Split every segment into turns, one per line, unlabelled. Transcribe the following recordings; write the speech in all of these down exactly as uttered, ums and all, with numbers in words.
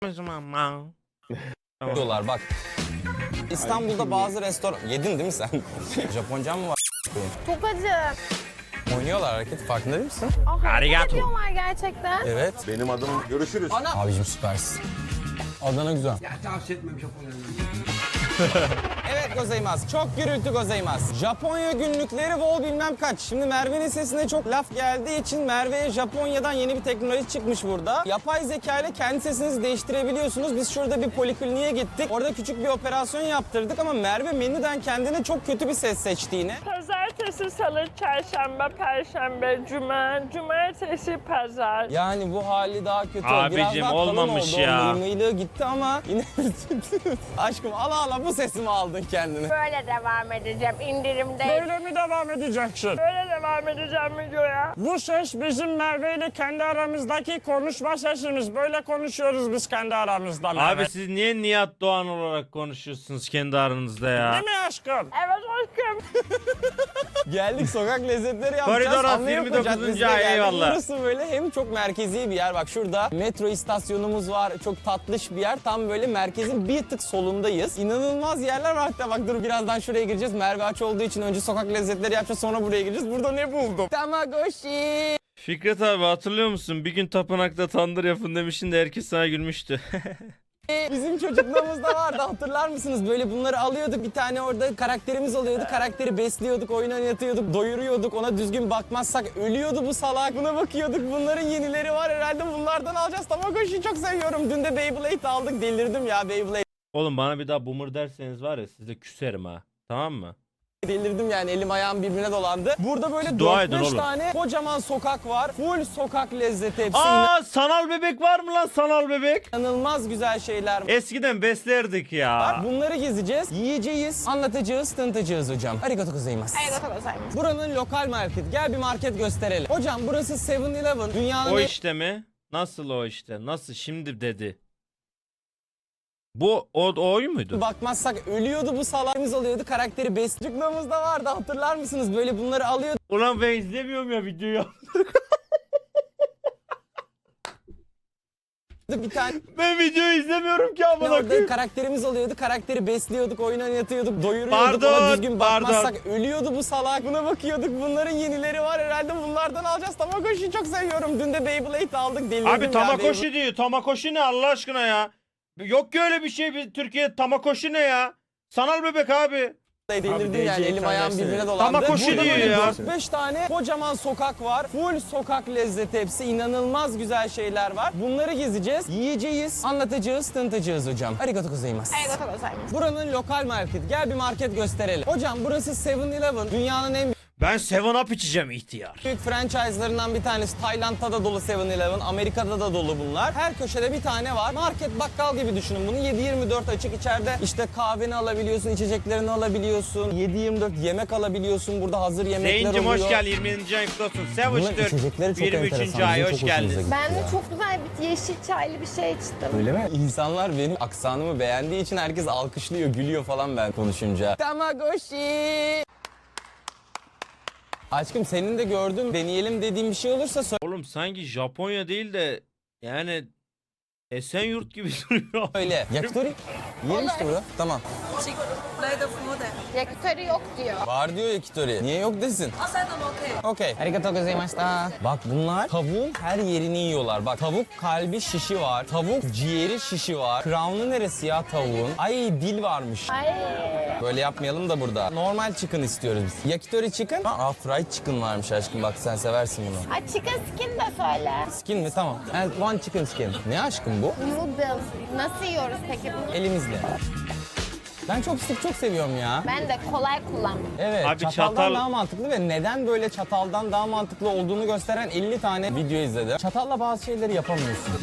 Dolar bak. İstanbul'da bazı restoran... Yedin değil mi sen? Japonca mı var?
Çok acı.
Oynuyorlar hareket, farkında değil misin?
Ah,
Arigato.
hareket ediyorlar gerçekten.
Evet.
Benim adım görüşürüz.
Abicim süpersin. Adana güzel.
Ya tavsiye etmem Japonya'nın.
Evet gozaimasu. Çok gürültü gozaimasu. Japonya günlükleri vol bilmem kaç. Şimdi Merve'nin sesine çok laf geldiği için Merve'ye Japonya'dan yeni bir teknoloji çıkmış burada. Yapay zeka ile kendi sesinizi değiştirebiliyorsunuz. Biz şurada bir polikliniğe gittik. Orada küçük bir operasyon yaptırdık ama Merve menüden kendine çok kötü bir ses seçti yine.
Pazartesi, salı, çarşamba, perşembe, cuma, cumartesi, pazar.
Yani bu hali daha kötü.
Abicim,
Biraz daha kalın
olmamış
oldu.
ya.
O mıymıylığı gitti ama yine... Aşkım ala ala bu sesimi aldın kendine.
Böyle devam edeceğim indirimde.
Böyle mi devam edeceksin? Böyle devam edeceğim videoya. Bu ses bizim Merve ile kendi aramızdaki konuşma sesimiz. Böyle konuşuyoruz biz kendi aramızda Merve.
Abi siz niye Nihat Doğan olarak konuşuyorsunuz kendi aranızda ya?
Değil mi aşkım? Evet aşkım.
Geldik sokak lezzetleri yapacağız.
Koridor altı,
Amerika
yirmi dokuzuncu
Caddesi'ne
ay,
geldik.
eyvallah.
Burası böyle hem çok merkezi bir yer. Bak şurada metro istasyonumuz var. Çok tatlış bir yer. Tam böyle merkezin bir tık solundayız. İnanılmaz yerler var. Hatta bak dur birazdan şuraya gireceğiz. Merve aç olduğu için önce sokak lezzetleri yapacağız, sonra buraya gireceğiz. Burada ne buldum? Tamagotchi.
Fikret abi hatırlıyor musun? Bir gün tapınakta tandır yapın demiştin de herkes sana gülmüştü.
Bizim çocukluğumuzda vardı, hatırlar mısınız? Böyle bunları alıyorduk, bir tane orada karakterimiz oluyordu. Karakteri besliyorduk, oyun oynatıyorduk, doyuruyorduk. Ona düzgün bakmazsak ölüyordu bu salak. Buna bakıyorduk. Bunların yenileri var herhalde, bunlardan alacağız. Tamagotchi'yi çok seviyorum. Dün de Beyblade aldık. Delirdim ya Beyblade.
Oğlum bana bir daha boomer derseniz var ya size küserim ha. Tamam mı?
Delirdim yani, elim ayağım birbirine dolandı. Burada böyle
Dua edin
dört beş
oğlum.
tane kocaman sokak var. Full sokak lezzeti hepsi.
Aa sanal bebek var mı lan sanal bebek?
İnanılmaz güzel şeyler.
Eskiden beslerdik ya.
Bak bunları gezeceğiz, yiyeceğiz, anlatacağız, tanıtacağız hocam. Arigato gozaimasu.
Arigato gozaimasu.
Buranın lokal market. Gel bir market gösterelim. Hocam burası seven eleven. Dünyanın
O
en-
işte mi? Nasıl o işte? Nasıl şimdi dedi? Bu o, o oyun muydu?
bakmazsak ölüyordu bu salağımız oluyordu. Karakteri besliyorduk.'da vardı, hatırlar mısınız? Böyle bunları alıyorduk.
Ulan ben izlemiyorum ya videoyu.
Bir tane
Ben videoyu izlemiyorum ki amına
orada
koyayım.
karakterimiz oluyordu. Karakteri besliyorduk, oyun oynatıyorduk, doyuruyorduk.
Pardon,
Ona düzgün bakmazsak
pardon.
ölüyordu bu salak. Buna bakıyorduk. Bunların yenileri var herhalde. Bunlardan alacağız. Tamagotchi'yi çok seviyorum. Dün de Beyblade aldık. Delirdim
Abi
ya.
Tamagotchi diyor. Tamagotchi ne Allah aşkına ya? Yok ki öyle bir şey. Bir Türkiye Tamagotchi ne ya? Sanal bebek abi.
Delirdim yani, elim ayağım birbirine dolandı.
Tamagotchi
Burada
diyor
böyle
ya.
dört beş tane kocaman sokak var. Full sokak lezzeti hepsi. İnanılmaz güzel şeyler var. Bunları gezeceğiz, yiyeceğiz, anlatacağız, tanıtacağız hocam. Arigato gozaimasu.
Arigato gozaimasu.
Buranın lokal market. Gel bir market gösterelim. Hocam burası seven eleven. Dünyanın en
Ben seven up içeceğim ihtiyar.
büyük franchise'larından bir tanesi. Tayland'da da dolu seven eleven. Amerika'da da dolu bunlar. Her köşede bir tane var. Market, bakkal gibi düşünün bunu. yedi yirmi dört açık. İçeride işte kahveni alabiliyorsun, içeceklerini alabiliyorsun. yedi yirmi dört yemek alabiliyorsun. Burada hazır yemekler
Zeyn'cim
oluyor.
hoş geldin. yirmi yedinci ay kutlu olsun.
Bunların
Savage
içecekleri çok
yirmi
enteresan.
üçüncü ay
Bizim
hoş
çok hoşumuza
geldin.
gitti
Ben de
ya.
çok güzel bir yeşil çaylı bir şey içtim.
Öyle mi? İnsanlar benim aksanımı beğendiği için herkes alkışlıyor, gülüyor falan ben konuşunca. Tamagotchi! Aşkım senin de gördüğüm, deneyelim dediğim bir şey olursa
Oğlum sanki Japonya değil de yani Esenyurt gibi duruyor.
söyle. Yakitori? Yiyelim işte burada. Tamam.
Yakitori yok diyor.
Var diyor yakitori. Niye yok desin? Okey. Arigato gozaimashita. Bak bunlar tavuğun her yerini yiyorlar. Bak tavuk kalbi şişi var. Tavuk ciğeri şişi var. Crown'u neresi ya tavuğun? Ay dil varmış.
Ay.
Böyle yapmayalım da burada. Normal chicken istiyoruz biz. Yakitori chicken. Aa fried chicken varmış aşkım, bak sen seversin bunu.
Ay chicken skin de söyle.
Skin mi? Tamam. And one chicken skin. Ne aşkım bu?
Noodles. Nasıl yiyoruz peki bunu?
Elimizle. Ben çok sık çok seviyorum ya.
Ben de kolay kullanmak.
Evet,
Abi
çataldan
çatal-
daha mantıklı ve neden böyle çataldan daha mantıklı olduğunu gösteren elli tane video izledim. Çatalla bazı şeyleri yapamıyorsun.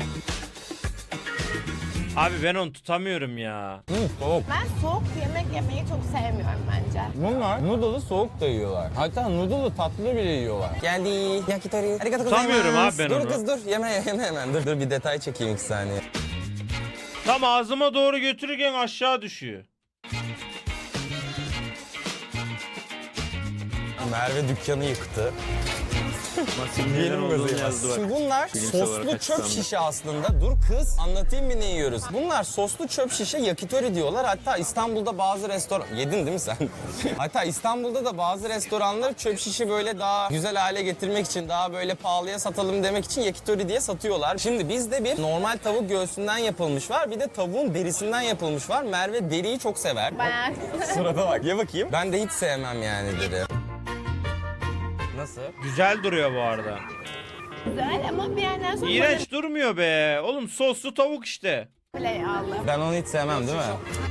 Abi ben onu tutamıyorum ya.
Hı, soğuk.
Ben soğuk yemek yemeyi çok sevmiyorum bence.
Bunlar noodle'ı soğuk da yiyorlar. Hatta noodle'ı tatlı bile yiyorlar. Geldi. Yakitori. Arigato
Tutamıyorum
gozaimasu.
abi ben
dur
onu.
kız dur. Yeme yeme hemen. Dur dur bir detay çekeyim iki saniye.
Tam ağzıma doğru götürürken aşağı düşüyor.
Merve dükkanı yıktı. Yiyelim gozaimasu. Şimdi bunlar soslu çöp şişe aslında. Dur kız anlatayım bir ne yiyoruz. Bunlar soslu çöp şişe yakitori diyorlar. Hatta İstanbul'da bazı restoran... Yedin değil mi sen? Hatta İstanbul'da da bazı restoranlar çöp şişi böyle daha güzel hale getirmek için, daha böyle pahalıya satalım demek için yakitori diye satıyorlar. Şimdi bizde bir normal tavuk göğsünden yapılmış var. Bir de tavuğun derisinden yapılmış var. Merve deriyi çok sever.
Bayağı.
Surata bak. Ye bakayım. Ben de hiç sevmem yani deri. Nasıl?
Güzel duruyor bu arada.
Güzel ama bir yerden sonra
İğrenç durmuyor be. Oğlum soslu tavuk işte.
böyle yağlı.
Ben onu hiç sevmem değil mi?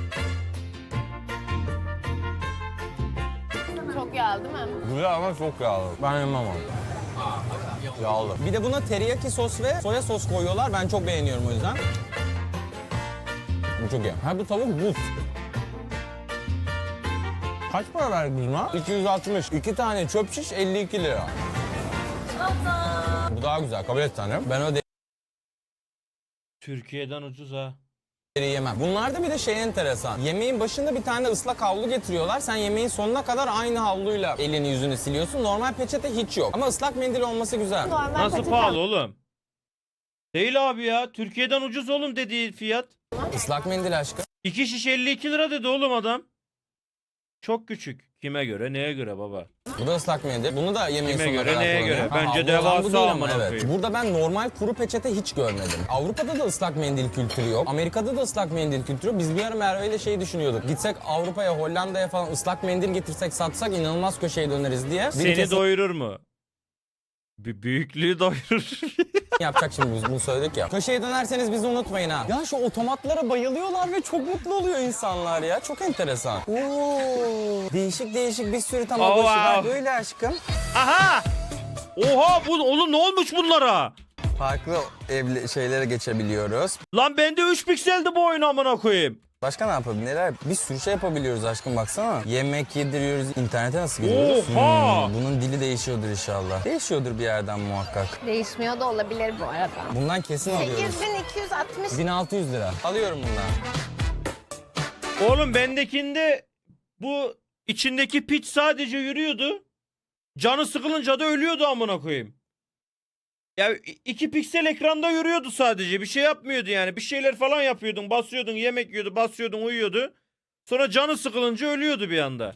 Çok yağlı değil mi?
Güzel ama çok yağlı. Ben yemem onu. Yağlı. Bir de buna teriyaki sos ve soya sos koyuyorlar. Ben çok beğeniyorum o yüzden. Bu çok iyi. Ha bu tavuk buz. Kaç para verdiniz buna? iki yüz altmış. İki tane çöp şiş elli iki lira. Bu daha güzel. Kabul et tanem. Ben o
Türkiye'den ucuz ha.
deriyi yemem. Bunlarda bir de şey enteresan. Yemeğin başında bir tane ıslak havlu getiriyorlar. Sen yemeğin sonuna kadar aynı havluyla elini yüzünü siliyorsun. Normal peçete hiç yok. Ama ıslak mendil olması güzel.
Normal
Nasıl
peçete-
pahalı oğlum? Değil abi ya. Türkiye'den ucuz oğlum dediği fiyat.
Islak mendil aşkım.
İki şiş elli iki lira dedi oğlum adam. Çok küçük. Kime göre, neye göre baba?
Bu da ıslak mendil. Bunu da yemeğin
Kime
sonuna
göre,
kadar
neye
kullanıyor.
göre? Bence
havlu
devasa
olan bu değil ama
amına
evet.
koyayım.
Burada ben normal kuru peçete hiç görmedim. Avrupa'da da ıslak mendil kültürü yok. Amerika'da da ıslak mendil kültürü yok. Biz bir ara Merve ile şey düşünüyorduk. Gitsek Avrupa'ya, Hollanda'ya falan ıslak mendil getirsek satsak inanılmaz köşeye döneriz diye. Bir
Seni
kesin
doyurur mu? Bir büyüklüğü doyurur.
yapacak şimdi biz bunu söyledik ya. Köşeye dönerseniz bizi unutmayın ha. Ya şu otomatlara bayılıyorlar ve çok mutlu oluyor insanlar ya. Çok enteresan. Oo, değişik değişik bir sürü tamagotchi
Oh,
var.
wow.
Böyle aşkım.
Aha! Oha bu oğlum ne olmuş bunlara?
Farklı evli şeylere geçebiliyoruz.
Lan bende üç pikseldi bu oyun amına koyayım.
Başka ne yapabiliriz? Neler? Bir sürü şey yapabiliyoruz aşkım baksana. Yemek yediriyoruz. İnternete nasıl giriyoruz?
Oha!
Hmm, bunun dili değişiyordur inşallah. Değişiyordur bir yerden muhakkak.
Değişmiyor da olabilir bu arada.
Bundan kesin alıyoruz.
sekiz bin iki yüz altmış.
bin altı yüz lira. Alıyorum bundan.
Oğlum bendekinde bu içindeki piç sadece yürüyordu. Canı sıkılınca da ölüyordu amına koyayım. Ya iki piksel ekranda yürüyordu sadece. Bir şey yapmıyordu yani. Bir şeyler falan yapıyordun. Basıyordun, yemek yiyordu, basıyordun, uyuyordu. Sonra canı sıkılınca ölüyordu bir anda.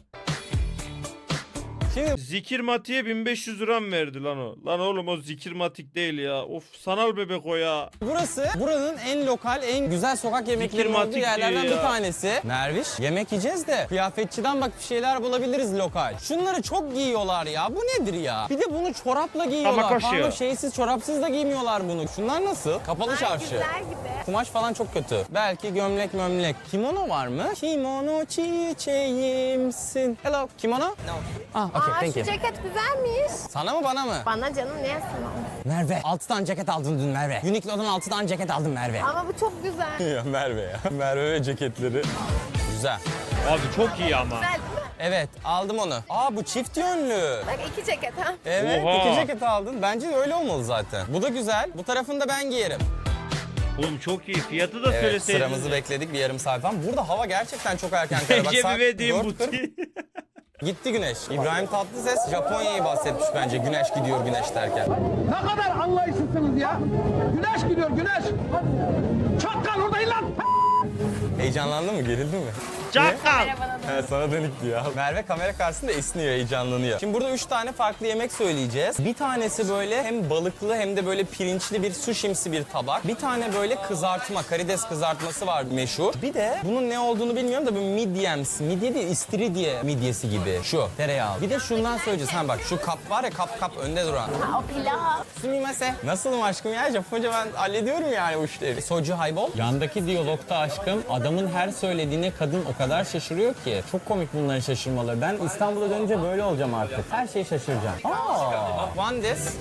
Şimdi
Zikir matiğe bin beş yüz lira mı verdi lan o? Lan oğlum o zikir matik değil ya. Of sanal bebek o ya.
burası buranın en lokal, en güzel sokak yemeklerinin olduğu
Zikirmatik
yerlerden
diyor
bir
ya.
tanesi. Merviş, yemek yiyeceğiz de kıyafetçiden bak bir şeyler bulabiliriz lokal. Şunları çok giyiyorlar ya. Bu nedir ya? Bir de bunu çorapla giyiyorlar.
Tamakoshi
Pardon
ya.
şeysiz, çorapsız da giymiyorlar bunu. Şunlar nasıl? Kapalı
Ay,
çarşı.
güzel gibi.
Kumaş falan çok kötü. Belki gömlek mömlek. Kimono var mı? Kimono çiçeğimsin. Hello. Kimono? No. Ah, okay,
Aa
thank
şu
you.
ceket güzelmiş.
Sana mı bana mı?
Bana canım niye sana?
Merve. altı tane ceket aldın dün Merve. Uniqlo'dan altı tane ceket aldım Merve.
Ama bu çok güzel.
Ya Merve ya. Merve ve ceketleri. Güzel.
Abi çok iyi ama.
Güzel değil mi?
Evet aldım onu. Aa bu çift yönlü.
Bak iki ceket ha.
Evet
Oha.
iki ceket aldın. Bence de öyle olmalı zaten. Bu da güzel. Bu tarafını da ben giyerim.
Oğlum çok iyi. Fiyatı da
Evet
söyleseydin.
sıramızı bekledik bir yarım saat falan. Burada hava gerçekten çok erken kara. Bak,
Ece
saat
bir verdiğim
dört kırk.
buti.
Gitti güneş. İbrahim Tatlıses Japonya'yı bahsetmiş bence güneş gidiyor güneş derken.
Ne kadar anlayışsızsınız ya. Güneş gidiyor güneş. Çakkal oradayım lan.
Heyecanlandın mı? Gerildin mi?
Çakal.
He, sana dönüktü ya. Merve kamera karşısında esniyor, heyecanlanıyor. Şimdi burada üç tane farklı yemek söyleyeceğiz. Bir tanesi böyle hem balıklı hem de böyle pirinçli bir sushimsi bir tabak. Bir tane böyle kızartma, karides kızartması var meşhur. Bir de bunun ne olduğunu bilmiyorum da böyle midyemsi, midye değil istiridye midyesi gibi. Şu tereyağı. Bir de şundan söyleyeceğiz. Ha bak şu kap var ya kap kap önde duran.
Ha, o pilav.
Sumimase. Nasılım aşkım ya? Japonca ben hallediyorum yani bu işleri. Soju haybol. Yandaki diyalogta aşkım adamın her söylediğine kadın o kadar şaşırıyor ki. Çok komik bunların şaşırmaları. Ben İstanbul'a dönünce böyle olacağım artık. Her şeyi şaşıracağım. Aa. One this.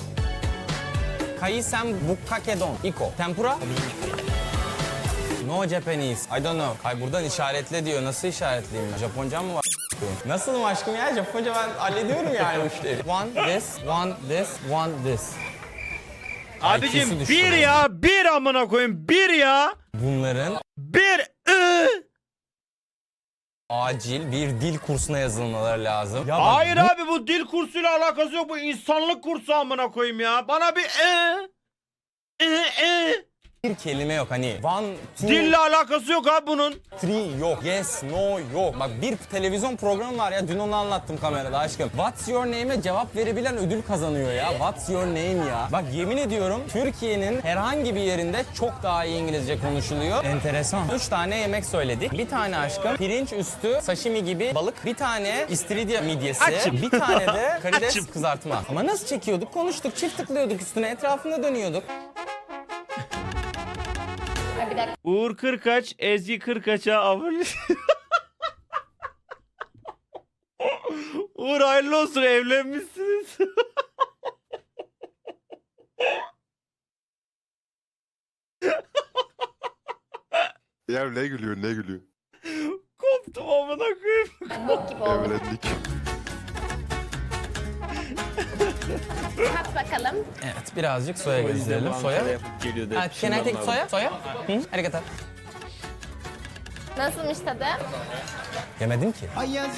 Kaisem bukkakedon. Iko. Tempura. No Japanese. I don't know. Ay buradan işaretle diyor. Nasıl işaretleyeyim ben? Japonca mı var? Nasılım aşkım ya? Japonca ben hallediyorum yani bu işleri. One this, one this, one this.
Abicim
I Q'su düştü
bir
benim.
ya. Bir amına koyayım. Bir ya.
Bunların
Bir. ı.
acil bir dil kursuna yazılmaları lazım. Ya bak,
Hayır abi bu dil kursuyla alakası yok. Bu insanlık kursu amına koyayım ya. Bana bir e e e
bir kelime yok hani one, two,
dille alakası yok abi bunun.
three yok, yes, no yok. Bak bir televizyon programı var ya, dün onu anlattım kamerada aşkım. What's your name'e cevap verebilen ödül kazanıyor ya. What's your name ya. Bak yemin ediyorum Türkiye'nin herhangi bir yerinde çok daha iyi İngilizce konuşuluyor. Enteresan. Üç tane yemek söyledik. Bir tane aşkım pirinç üstü sashimi gibi balık. Bir tane istiridye midyesi.
Açım.
Bir tane de karides
Açım.
kızartma. Ama nasıl çekiyorduk? Konuştuk, çift tıklıyorduk üstüne, etrafında dönüyorduk.
Ay, bir dakika.
Uğur Kırkaç, Ezgi Kırkaç'a abone. Uğur hayırlı olsun, evlenmişsiniz.
Ya ne gülüyor ne gülüyor?
Koptum amına koyayım.
Bok gibi oldu.
Evlendik.
Tat bakalım.
Evet, birazcık soya gezdirelim. Soya. Ha, can I take soya? Soya? Hı? Arigato.
Nasılmış tadı?
Yemedim ki.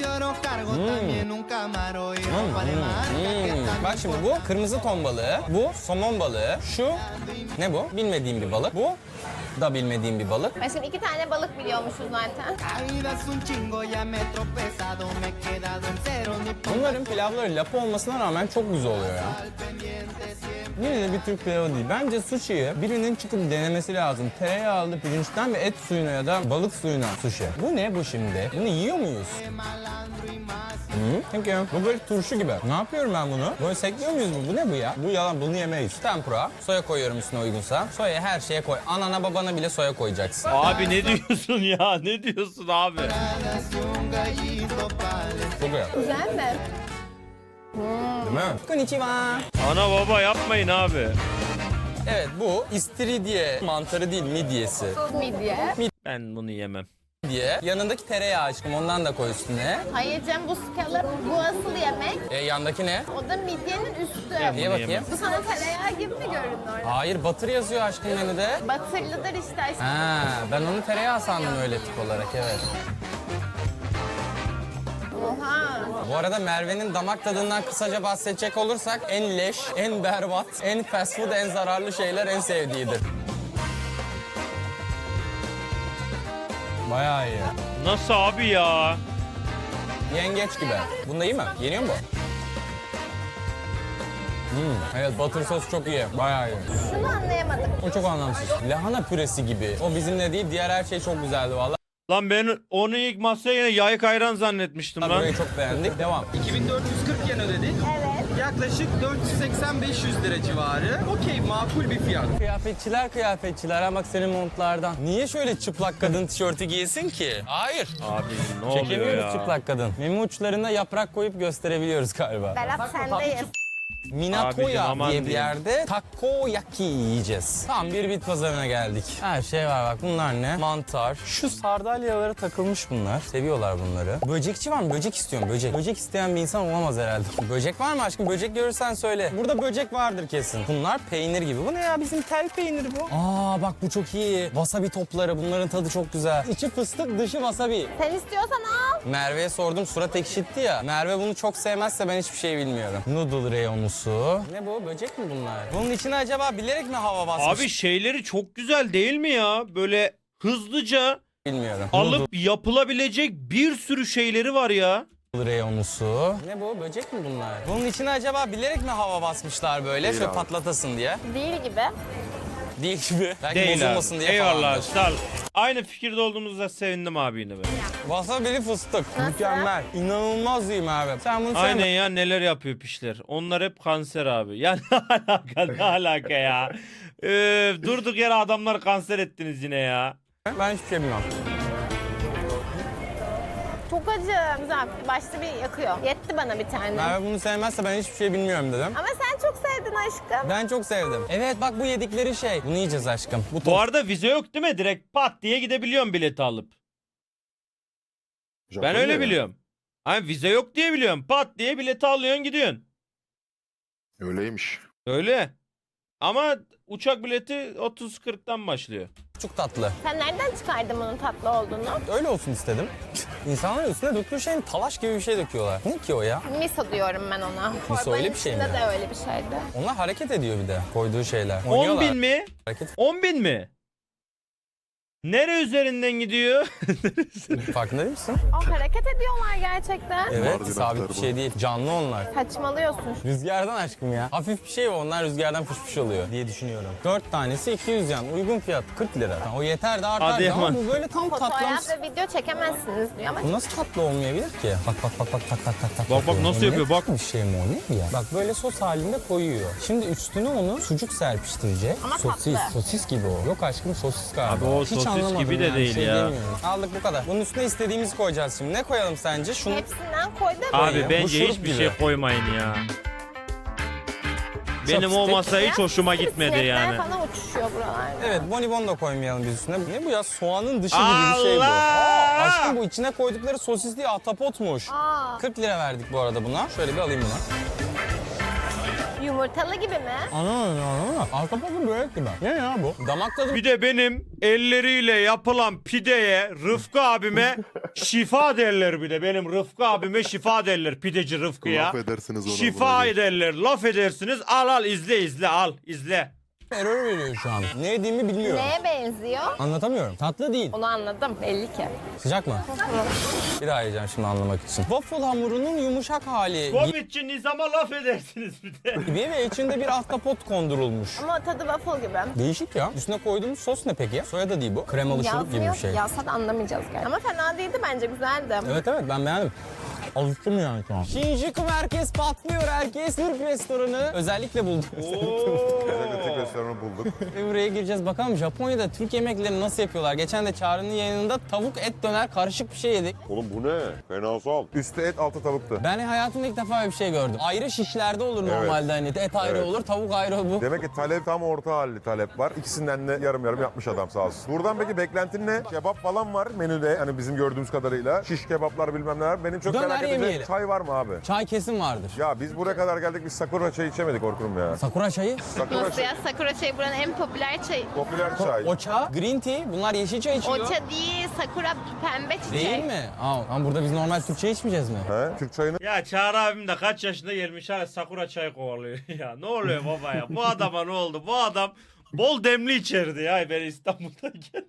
Hmm, bak şimdi bu kırmızı ton balığı, bu somon balığı, şu ne bu? Bilmediğim bir balık. Bu da bilmediğim bir balık.
Ben şimdi iki tane balık biliyormuşuz zaten.
Bunların pilavları lapa olmasına rağmen çok güzel oluyor ya. Yine de bir Türk pilavı değil. Bence sushi'yi birinin çıkıp denemesi lazım. Tereyağlı pirinçten ve et suyuna ya da balık suyuna sushi. Bu ne bu şimdi? Bunu yiyor muyuz? Hı, peki. Bu böyle turşu gibi. Ne yapıyorum ben bunu? Böyle sekliyor muyuz bu? Bu ne bu ya? Bu yalan, bunu yemeyiz. Tempura. Soya koyuyorum üstüne uygunsa. Soya her şeye koy. Anana babana bile soya koyacaksın.
Abi ne diyorsun ya? Ne diyorsun abi?
Çok iyi.
Güzel mi?
Değil mi? Konnichiwa.
Ana baba yapmayın abi.
Evet, bu istiridye mantarı değil, midyesi.
Midye.
Ben bunu yemem.
Midye. Yanındaki tereyağı aşkım, ondan da koy üstüne.
Hayır canım, bu skalı, bu asıl yemek.
E, yandaki ne?
O da midyenin üstü.
Ya,
İyi bakayım.
Bu sana tereyağı gibi mi göründü orada?
Hayır, batır yazıyor aşkım menüde.
Batırlıdır işte aşkım.
Ha, ben onu tereyağı sandım öyle tip olarak, evet.
Oha.
Bu arada Merve'nin damak tadından kısaca bahsedecek olursak en leş, en berbat, en fast food, en zararlı şeyler en sevdiğidir. Bayağı iyi.
Nasıl abi ya?
Yengeç gibi. Bunda iyi mi? Yeniyor mu bu? Hmm, evet, butter sos çok iyi. Bayağı iyi.
Şunu anlayamadım.
O çok anlamsız. Lahana püresi gibi. O bizimle değil, diğer her şey çok güzeldi valla.
Lan ben onu ilk masaya yine yayık ayran zannetmiştim lan.
Burayı çok beğendik. Devam.
iki bin dört yüz kırk yen ödedik.
Evet.
Yaklaşık dört yüz seksen beş yüz lira civarı. Okey, makul bir fiyat.
Kıyafetçiler kıyafetçiler ha, bak senin montlardan. Niye şöyle çıplak kadın tişörtü giyesin ki? Hayır.
Abi ne oluyor
Çekemiyoruz
ya?
çıplak kadın. Meme uçlarına yaprak koyup gösterebiliyoruz galiba.
Berat sendeyiz.
Minatoya
Abicim, aman
diye bir
diyeyim.
yerde takoyaki yiyeceğiz. Tam bir bit pazarına geldik. Her şey var bak, bunlar ne? Mantar. Şu sardalyalara takılmış bunlar. Seviyorlar bunları. Böcekçi var mı? Böcek istiyorum, böcek. Böcek isteyen bir insan olamaz herhalde. Böcek var mı aşkım? Böcek görürsen söyle. Burada böcek vardır kesin. Bunlar peynir gibi. Bu ne ya? Bizim tel peyniri bu. Aa bak, bu çok iyi. Wasabi topları. Bunların tadı çok güzel. İçi fıstık, dışı wasabi.
Sen istiyorsan al.
Merve'ye sordum, surat ekşitti ya. Merve bunu çok sevmezse ben hiçbir şey bilmiyorum. Noodle reyonu. Ne bu? Böcek mi bunlar? Bunun içine acaba bilerek mi hava basmış?
Abi şeyleri çok güzel değil mi ya? Böyle hızlıca
Bilmiyorum.
alıp yapılabilecek bir sürü şeyleri var ya.
Noodle reyonusu. Ne bu? Böcek mi bunlar? Bunun içine acaba bilerek mi hava basmışlar böyle?
Değil
Şöyle
abi.
patlatasın diye.
Değil gibi.
Değil gibi. Belki
Değil
bozulmasın
abi.
diye
Eyvallah
falandır.
sağ ol. Aynı fikirde olduğumuzda sevindim abi yine be.
Wasabili fıstık.
Nasıl?
Mükemmel. İnanılmaz iyi Merve. Sen bunu
Aynen
sevme.
ya, neler yapıyor pişler. Onlar hep kanser abi. Ya ne alaka, ne alaka ya. Öf, durduk yere adamlar kanser ettiniz yine ya.
Ben hiçbir şey bilmem.
Çok acı. Güzel. Başta bir yakıyor. Yetti bana bir tane.
Merve bunu sevmezse ben hiçbir şey bilmiyorum dedim.
Ama sen çok sevdin aşkım.
Ben çok sevdim. Evet bak, bu yedikleri şey. Bunu yiyeceğiz aşkım. Bu
Bu
top.
arada vize yok değil mi? Direkt pat diye gidebiliyorum bileti alıp. Ben
Japonya
öyle
ya.
biliyorum. Hani vize yok diye biliyorum. Pat diye bileti alıyorsun gidiyorsun.
Öyleymiş.
Öyle. Ama uçak bileti otuz kırktan başlıyor.
Çok tatlı.
Sen nereden çıkardın bunun tatlı olduğunu?
Öyle olsun istedim. İnsanlar üstüne döktüğü şeyin talaş gibi bir şey döküyorlar. Ne ki o ya?
Miso diyorum ben ona.
Miso öyle bir şey mi?
içinde de öyle bir şeydi.
Onlar hareket ediyor bir de koyduğu şeyler.
on
Oynuyorlar.
bin mi?
Hareket
on bin mi? Nere üzerinden gidiyor?
farkında değil misin?
O hareket ediyorlar gerçekten.
Evet,
Mardin
sabit bir
atlar
şey değil. Canlı onlar.
Saçmalıyorsun.
Rüzgardan aşkım ya. Hafif bir şey o, onlar rüzgardan fış oluyor diye düşünüyorum. Dört tanesi iki yüz yan. Uygun fiyat kırk lira. Yani o yeter de artar
Hadi
da ama
aman.
bu böyle tam
Fotoğraf
tatlamış.
ve video çekemezsiniz diyor ama
Bu nasıl tatlı olmayabilir ki? Bak bak bak bak tak tak tak tak.
Bak, bak,
yapıyor.
nasıl
Ne
yapıyor, bak.
Bir şey mi o ne ya? Bak böyle sos halinde koyuyor. Şimdi üstüne onu sucuk serpiştirecek.
Ama
sosis,
tatlı.
sosis gibi o. Yok aşkım sosis galiba.
Abi o
Hiç
sosis
anlamadım
gibi de
yani,
değil
şey
ya.
demiyorum. Aldık bu kadar. Bunun üstüne istediğimizi koyacağız şimdi. Ne koyalım sence? Şunu
hepsinden koy da
Abi
ya. Bu
bence
şurup
hiçbir
gibi.
şey koymayın ya. Benim o
Chopstick.
masa hiç hoşuma gitmedi
Sinekler
yani.
falan uçuşuyor buralarda.
Evet, bonibon da koymayalım biz üstüne. Ne bu ya? Soğanın dışı gibi bir şey bu.
Allah!
Aa, aşkım bu içine koydukları sosis değil, ahtapotmuş.
Aa,
kırk lira verdik bu arada buna. Şöyle bir alayım bunu.
yumurtalı gibi mi?
Anlamadım, anlamadım. Ahtapotun börek gibi. Ne ya bu? Damak tadı.
Bir de benim elleriyle yapılan pideye Rıfkı abime şifa derler bir de. Benim Rıfkı abime şifa derler pideci Rıfkı'ya.
Laf edersiniz ona.
Şifa
buna.
ederler, laf edersiniz. Al al izle izle al izle.
Error veriyor şu an. Ne yediğimi bilmiyorum.
Neye benziyor?
Anlatamıyorum. Tatlı değil.
Onu anladım belli ki.
Sıcak mı? Bir daha yiyeceğim şimdi anlamak için. Waffle hamurunun yumuşak hali
Komitçi Nizam'a laf edersiniz bir de.
gibi ve içinde bir ahtapot kondurulmuş.
Ama tadı waffle gibi.
Değişik ya. Üstüne koyduğumuz sos ne peki? Soya da değil bu. Kremalı şurup gibi bir şey.
Yazsa da anlamayacağız gerçekten. Ama fena değildi bence güzeldi.
Evet evet ben beğendim. Alıştım yani şu an. Shinjuku merkez patlıyor herkes. Türk restoranı. Özellikle buldum.
Özellikle Türk restoranı bulduk.
Ve buraya gireceğiz. Bakalım Japonya'da Türk yemeklerini nasıl yapıyorlar? Geçen de Çağrı'nın yayınında tavuk et döner karışık bir şey yedik.
Oğlum bu ne? Fenasal. Üstü et, altı tavuktu.
Ben hayatımda ilk defa öyle bir şey gördüm. Ayrı şişlerde olur
Evet.
normalde hani. Et ayrı
Evet.
olur, tavuk ayrı bu.
Demek ki talep tam orta halli talep var. İkisinden de yarım yarım yapmış adam sağ olsun. Buradan peki beklentin ne? Kebap falan var menüde hani bizim gördüğümüz kadarıyla. Şiş kebaplar bilmem neler. Benim çok
Döner
merak
yemeyelim.
edeceğim çay var mı abi?
Çay kesin vardır.
Ya biz buraya kadar geldik biz Sakura çayı içemedik Orkun'um ya.
Sakura çayı,
Sakura
Nasıl
çayı.
ya? Sakura çayı buranın en popüler çayı.
Popüler çay.
ocha, green tea. Bunlar yeşil çay içiyor.
Oça değil, sakura pembe çiçek.
Değil mi? Aa, ama burada biz normal Türkçe içmeyeceğiz mi?
He? Türk çayını
Ya Çağrı abim de kaç yaşında gelmiş hala Sakura çay kovalıyor. Ya ne oluyor baba ya? Bu adama ne oldu? Bu adam bol demli içerdi ya ben İstanbul'dayken.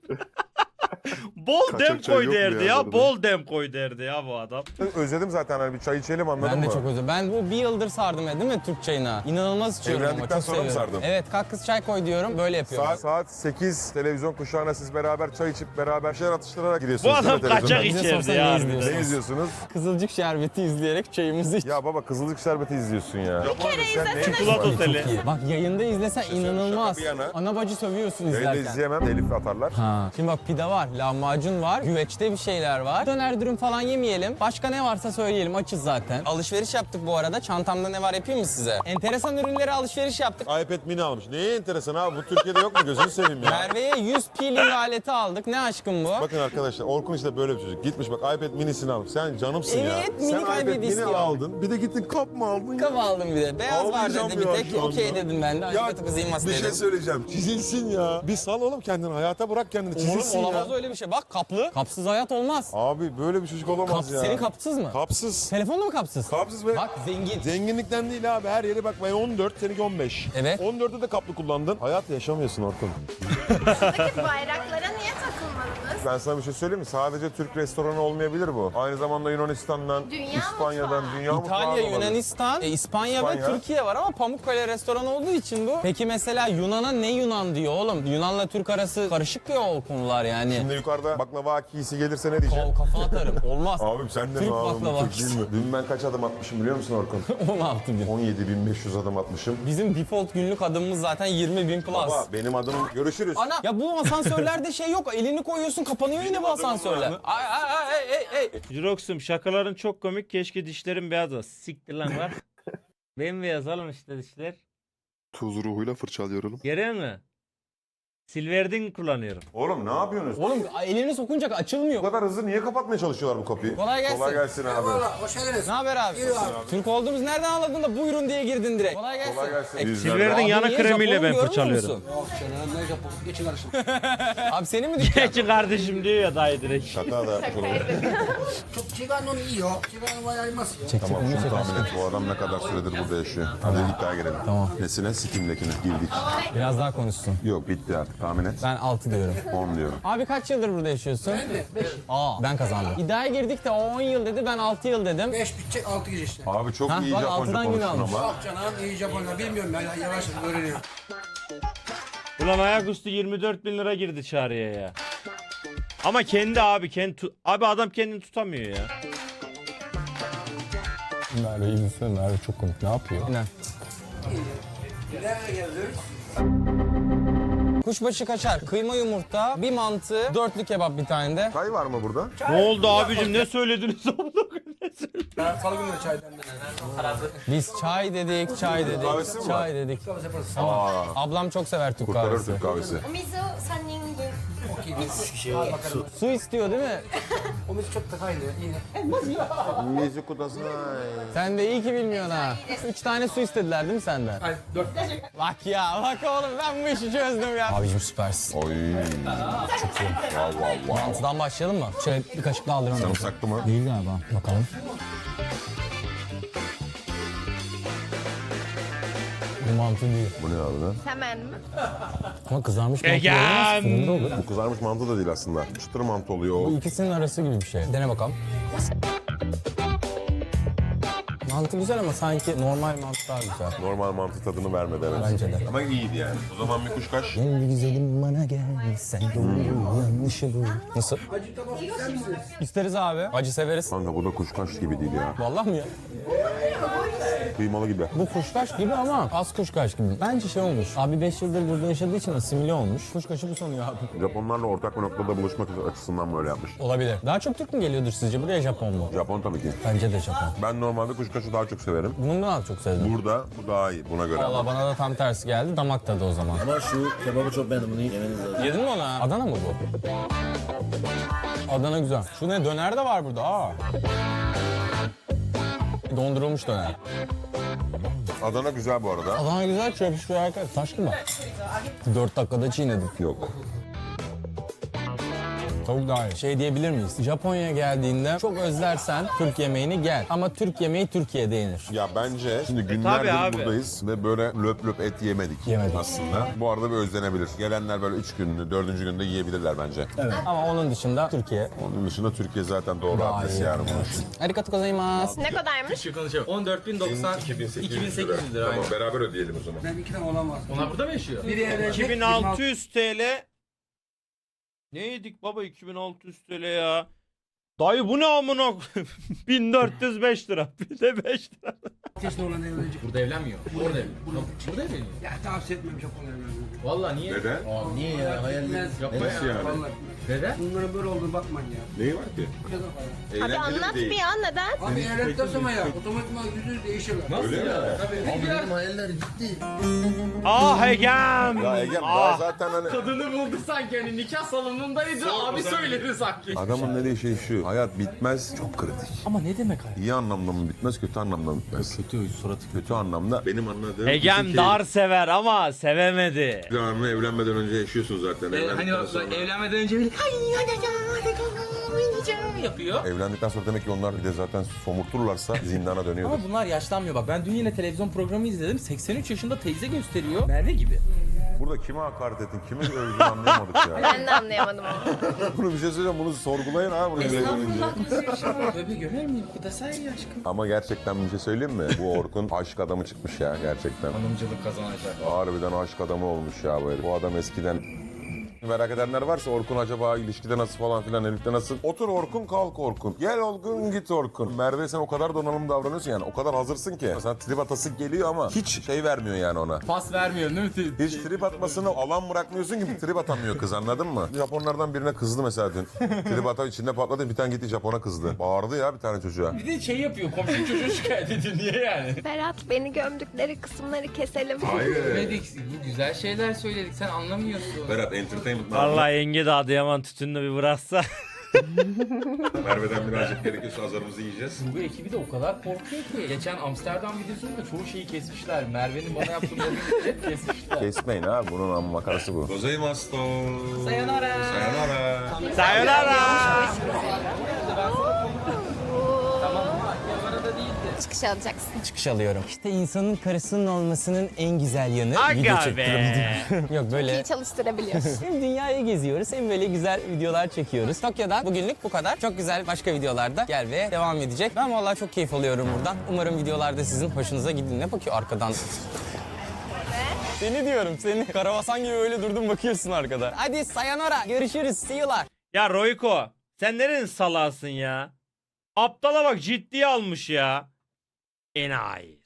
Bol
Kaçak
dem
çay
koy
yok mu
derdi
ya
ya.
burada?
Bol dem koy derdi ya bu adam.
özledim zaten hani bir çay içelim anladın
Ben de
mı?
çok özledim. Ben bu bir yıldır sardım ya değil mi Türk çayına? İnanılmaz içiyorum ama
Evlendikten
çok
sonra mı
seviyorum.
sardın?
Evet kalk kız çay koy diyorum böyle yapıyorum.
Saat, saat sekiz televizyon kuşağına siz beraber çay içip beraber şeyler atıştırarak gidiyorsunuz.
Bu adam
değil mi televizyonda?
kaçak
Bize
içerdi
sorsan
ya.
ne
harbiden.
izliyorsun?
Ne izliyorsunuz?
Kızılcık şerbeti izleyerek çayımızı iç.
Ya baba Kızılcık Şerbeti izliyorsun ya. Bir kere izlesene.
Çikolata
Çok
oteli.
iyi. Bak yayında izlesen inanılmaz.
şaka bir yana.
Ana bacı sövüyorsun
Yayında
izlerken.
izleyemem. Elif atarlar.
Ha. Şimdi bak pide var, lahmacun var, güveçte bir şeyler var. Döner dürüm falan yemeyelim. Başka ne varsa söyleyelim, açız zaten. Alışveriş yaptık bu arada. Çantamda ne var yapayım mı size? Enteresan ürünlere alışveriş yaptık.
iPad mini almış. Neye enteresan abi? Bu Türkiye'de yok mu? Gözünü seveyim ya.
Merve'ye yüz peeling aleti aldık. Ne aşkım bu?
Bakın arkadaşlar Orkun işte böyle bir çocuk. Gitmiş bak iPad minisini almış. Sen canımsın ya.
Evet, mini
Sen
iPad
iPad mini
istiyor.
aldın. Bir de gittin kap mı aldın?
Kap aldım bir de. Beyaz var
Ağlayacağım
dedi bir
ya
tek.
şu anda.
Okey dedim ben de.
Ya
Acıkatı kızayım
bir
dedim.
şey söyleyeceğim. Çizilsin ya. Bir sal oğlum kendini. Hayata bırak kendini. Çizilsin
Oğlum
ya.
olamaz öyle bir şey. Bak kaplı. Kapsız hayat olmaz.
Abi böyle bir çocuk olamaz
Kap,
ya.
senin kapsız mı?
Kapsız.
Telefonun mu kapsız?
Kapsız ve
Bak zengin.
zenginlikten değil abi. Her yere bak ben on dört, seninki on beş.
Evet.
on dörtte de kaplı kullandın. Hayat yaşamıyorsun Orkun.
Buradaki bayraklara niye takılmadınız?
Ben sana bir şey söyleyeyim mi? Sadece Türk restoranı olmayabilir bu. Aynı zamanda Yunanistan'dan,
Dünya
İspanya'dan,
mutfağı.
dünya mutfağı
İtalya,
olabilir.
Yunanistan, e, İspanya,
İspanya.
ve Türkiye var ama Pamukkale restoranı olduğu için bu. Peki mesela Yunan'a ne Yunan diyor oğlum? Yunan'la Türk arası karışık ya o konular yani.
Şimdi yukarıda baklava akisi gelirse ne diyeceğim?
Ka- kafa atarım. Olmaz.
Abim sen de
Türk
mi abi?
baklava
Türk değil mi? Dün ben kaç adım atmışım biliyor musun Orkun?
on altı bin.
on yedi bin beş yüz adım atmışım.
Bizim default günlük adımımız zaten yirmi bin plus.
Baba benim adım görüşürüz.
Ana ya bu asansörlerde şey yok. Elini koyuyorsun kapanıyor yine bu asansörler. Ay ay ay ay ay.
Jirox'um şakaların çok komik. Keşke dişlerim beyaz olsa. Siktir lan var. Bembeyaz oğlum işte dişler.
Tuz ruhuyla fırçalıyor oğlum.
Görüyor musun? Silverdin kullanıyorum.
Oğlum ne yapıyorsunuz?
Oğlum elini sokunca açılmıyor.
Bu kadar hızlı niye kapatmaya çalışıyorlar bu kapıyı?
Kolay gelsin.
Kolay gelsin abi.
Ne haber abi? Türk olduğumuz nereden anladın da buyurun diye girdin direkt. Kolay gelsin.
Kolay gelsin.
E,
Bizler-
Silverdin
Abi
yana
niye
kremiyle
Japon'u
ben
görmüyor
fırçalıyorum.
musun?
Yok canım ne yapalım geçin karışın.
Abi senin mi dükkan?
Geçin kardeşim diyor ya dayı direkt.
Şaka da yapmış olabilir.
Çok çıkan iyi o. Çıkan var aymaz ya.
Tamam şunu tahmin et. Bu adam ne kadar süredir burada yaşıyor. Hadi iddiaya girelim.
Tamam.
Nesine? Steam'dekine girdik.
Biraz daha konuşsun.
Yok bitti artık tahmin et.
Ben altı diyorum.
on diyorum.
Abi kaç yıldır burada yaşıyorsun? Ben mi? beş. Aa ben kazandım. İddiaya girdik de o on yıl dedi ben altı yıl dedim.
beş bitecek altı gir işte.
Abi çok
Ha,
iyi
bak
Japonca
altıdan gün
konuştun
almış.
ama.
Bak canım iyi Japonlar bilmiyorum ben yavaş yavaş öğreniyorum.
Ulan ayaküstü yirmi dört bin lira girdi çağrıya ya. Ama kendi abi kendi tu- abi adam kendini tutamıyor ya.
Merve iyi misin? Merve çok komik. Ne yapıyor? Ne?
Nereye geliyoruz?
Kuşbaşı kaçar, kıyma yumurta, bir mantı, dörtlü kebap bir tane de.
Çay var mı burada?
Ne oldu abicim ne söylediniz oğlum? Ne söylediniz?
Ben salı günü çaydan ben.
Biz çay dedik, çay dedik,
kahvesi mi
çay dedik. Ama ablam çok sever Türk
Kurtarır
kahvesi.
Türk kahvesi.
お水をさんにんぶん。
Okey biz üç kişi. Al bakalım.
Su istiyor değil mi?
O biz çok takaydı iyi.
Mizu kudasına.
Sen de iyi ki bilmiyorsun ha. Üç tane su istediler değil mi senden?
Hayır dört.
Bak ya, bak oğlum ben bu işi çözdüm ya. Abicim süpersin.
Oy. Çok iyi. Wow wow wow.
Mantıdan başlayalım mı? Şöyle bir kaşık daha alıyorum.
Sarımsaklı mı?
Değil galiba. Bakalım. Bu mantı değil.
Bu ne abi lan?
Hemen mi?
Ama kızarmış mantı
Egem!
olmaz. Fırında olur.
Bu kızarmış mantı da değil aslında. Çıtır mantı oluyor o.
Bu ikisinin arası gibi bir şey. Dene bakalım. Mantı güzel ama sanki normal mantı daha güzel.
Normal mantı tadını vermedi evet.
Bence de.
Ama iyiydi yani. O zaman bir kuşkaş.
Gel güzelim bana gel, sen doğru yanlışı bu. Nasıl?
Acı tabak ister misiniz?
İsteriz abi. Acı severiz.
Kanka bu da kuşkaş gibi değil ya.
Vallahi mi ya?
Kıymalı gibi.
Bu kuşkaş gibi ama az kuşkaş gibi. Bence şey olmuş. Abi beş yıldır burada yaşadığı için asimile olmuş. Kuşkaşı bu sanıyor abi.
Japonlarla ortak bir noktada buluşmak açısından böyle yapmış.
Olabilir. Daha çok Türk mü geliyordur sizce? Buraya Japon mu?
Japon tabii ki.
Bence de Japon.
Ben normalde kuşkaşı daha çok severim.
Bunun daha çok sevdim.
Burada bu daha iyi buna göre.
Valla bana da tam tersi geldi. Damak tadı o zaman.
Ama şu kebabı çok beğendim. Bunu yemeniz lazım.
Yedin mi onu? ha? Adana mı bu? Adana güzel. Şu ne? Döner de var burada. Aa. Dondurulmuş döner.
Adana güzel bu arada.
Adana güzel çöpüşüyor arkadaş. Taş gibi. Dört dakikada çiğnedim.
Yok.
Tavuk daha iyi. Şey diyebilir miyiz? Japonya'ya geldiğinde çok özlersen Türk yemeğini gel. Ama Türk yemeği Türkiye'de yenir.
Ya bence şimdi
tabii
günlerdir
abi.
buradayız ve böyle löp löp et yemedik.
Yemedik.
Aslında. Bu arada bir özlenebilir. Gelenler böyle üç günlü, dördüncü günde yiyebilirler bence.
Ama onun dışında Türkiye.
Onun dışında Türkiye zaten doğru
Daha
adresi
iyi.
yani bunun için.
Arigato gozaimasu.
Ne kadarmış?
on dört bin doksan, iki bin sekiz yüz lira.
Tamam beraber ödeyelim o zaman.
Ben iki tane olan var.
Onlar burada mı yaşıyor?
Biri evlenecek.
iki bin altı yüz T L. Ne yedik baba iki bin altı yüz T L ya? Dayı bu ne amına koyayım? bin dört yüz beş lira. Bir de beş lira.
Yaşında olan evlenecek.
Burada evlenmiyor. Orada evleniyor. Burada evleniyor.
Ya tavsiye etmem Japon evlenmeyi.
Valla niye?
Neden?
Aa, niye ya? Hayaliniz yapma
Nasıl
ya.
yani?
Vallahi.
Neden?
Bunların böyle olduğunu bakmayın ya.
Neyi var ki?
Neden falan.
Abi anlat bir ya neden?
Abi evlendikten sonra ya otomatikman yüzü değişirler.
Nasıl ya?
Abi benim hayaller ciddi.
Ah Egem.
Ya Egem
Ah.
daha zaten hani
Kadını buldu sanki hani nikah salonundaydı abi söyledi sanki.
adamın dediği şey şu. Hayat bitmez çok kritik.
Ama ne demek hayır?
İyi anlamda mı bitmez, kötü anlamda mı bitmez? Kötü, suratı kötü anlamda. Benim anladığım...
Egem dar sever ama sevemedi.
Devamlı evlenmeden önce yaşıyorsun zaten.
Hani
Evlendikten sonra.
evlenmeden önce bile yapıyor.
Evlendikten sonra demek ki onlar bir de zaten somurturlarsa zindana dönüyordur.
Ama bunlar yaşlanmıyor bak. Ben dün yine televizyon programı izledim. seksen üç yaşında teyze gösteriyor. Merve gibi.
Burada kime hakaret ettin, kimi övdün anlayamadık ya.
Ben de anlayamadım onu.
Bunu bir şey söyleyeceğim, bunu sorgulayın ha bunu izleyince.
Tabii görer miyim? Bu da sahibi aşkım.
Ama gerçekten bir şey söyleyeyim mi? Bu Orkun aşk adamı çıkmış ya gerçekten.
Hanımcılık kazanacak.
Harbiden aşk adamı olmuş ya bu herif. Bu adam eskiden Merak edenler varsa Orkun acaba ilişkide nasıl falan filan, Elif'te nasıl? Otur Orkun, kalk Orkun. Gel Orkun, git Orkun. Merve sen o kadar donanımlı davranıyorsun yani. O kadar hazırsın ki. Sana trip atası geliyor ama hiç şey vermiyor yani ona.
Pas vermiyor değil mi?
Hiç trip atmasını alan bırakmıyorsun ki trip atamıyor kız, anladın mı? Japonlardan birine kızdı mesela dün. Trip ata içinde patladı, bir tane gitti Japon'a kızdı. Bağırdı ya bir tane çocuğa.
Bir de şey yapıyor, komşu çocuğu şikayet ediyor. Niye yani?
Berat beni gömdükleri kısımları keselim.
Söyledik, bu güzel şeyler söyledik. Sen anlamıyorsun.
Berat entertainment.
Vallahi yenge de Adıyaman tütününü bir bıraksa.
Merve'den birazcık gerekiyorsa azarımızı yiyeceğiz.
Bu ekibi de o kadar korkuyor ki. Geçen Amsterdam videosunda çoğu şeyi kesmişler. Merve'nin bana yaptığı mobbingi hep kesmişler.
Kesmeyin abi, bunun amma makarası bu. Gozaimasu.
Sayonara.
Sayonara.
Sayonara.
Çıkış alacaksın.
Çıkış alıyorum. İşte insanın karısının olmasının en güzel yanı.
Aga
video
be.
çektirdim. Yok böyle.
İyi çalıştırabiliyorsun.
Hem dünyayı geziyoruz hem böyle güzel videolar çekiyoruz. Tokyo'dan bugünlük bu kadar. Çok güzel başka videolarda gelmeye devam edecek. Ben vallahi çok keyif alıyorum buradan. Umarım videolarda sizin hoşunuza gidin. Ne bakıyor arkadan? Seni diyorum seni. Karabasan gibi öyle durdun bakıyorsun arkada. Hadi sayonara. Görüşürüz. See you'lar.
Ya Royko sen nerenin salasın ya? Aptala bak ciddiye almış ya. Enayi.